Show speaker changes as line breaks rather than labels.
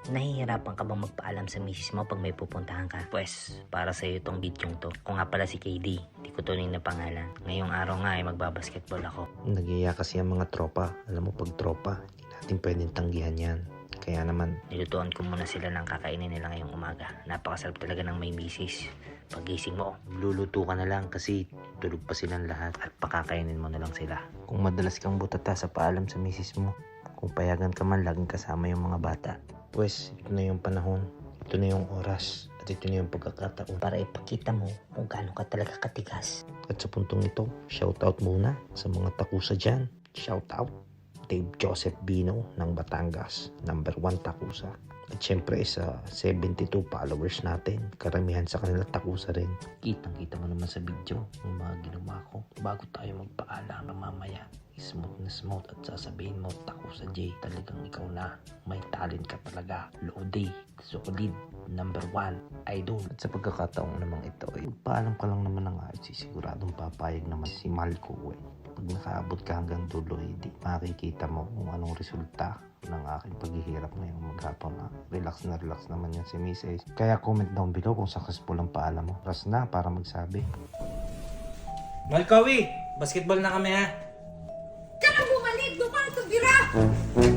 Nahihirapan ka bang magpaalam sa misis mo pag may pupuntahan ka? Pwes, para sa'yo itong video to. Kung nga pala si KD, di ko tunay na pangalan. Ngayong araw nga ay magbabasketball ako.
Nagiya kasi ang mga tropa. Alam mo, pag tropa, hindi natin pwedeng tanggihan yan. Kaya naman,
Nilutuan ko muna sila ng kakainin nila ngayong umaga. Napakasarap talaga ng may misis. Pagising mo,
luluto ka na lang kasi tulog pa silang lahat at pakakainin mo na lang sila. Kung madalas kang butata sa paalam sa misis mo, kung payagan ka man, laging kasama yung mga bata. Pues, ito na yung panahon, ito na yung oras, at ito na yung pagkakataon.
para ipakita mo kung gaano ka talaga katigas.
At sa puntong ito, shoutout muna sa mga takusa dyan. Shoutout Dave Joseph Bino ng Batangas, number 1 takusa. At syempre sa 72 followers natin, karamihan sa kanila takusa rin. Kitang-kita mo naman sa video yung mga ginawa ko bago tayo magpaalam mamaya. Smooth na smooth at sasabihin mo, takusa J, talagang ikaw na. May talent ka talaga. Lodi, solid, number 1, idol. At sa pagkakataong namang ito, paalam ka lang naman ng ayos, siguradong papayag naman si Malco. Pag nakaabot ka hanggang dulo, hindi makikita mo kung anong resulta ng aking paghihirap ngayong maghapon. Relax na relax naman yan si Mrs. Kaya comment down below kung successful ang paalam mo. Ras na para magsabi.
Malkawi, basketball na kami ha.
Tsaka bumalik, doon ka na tumira!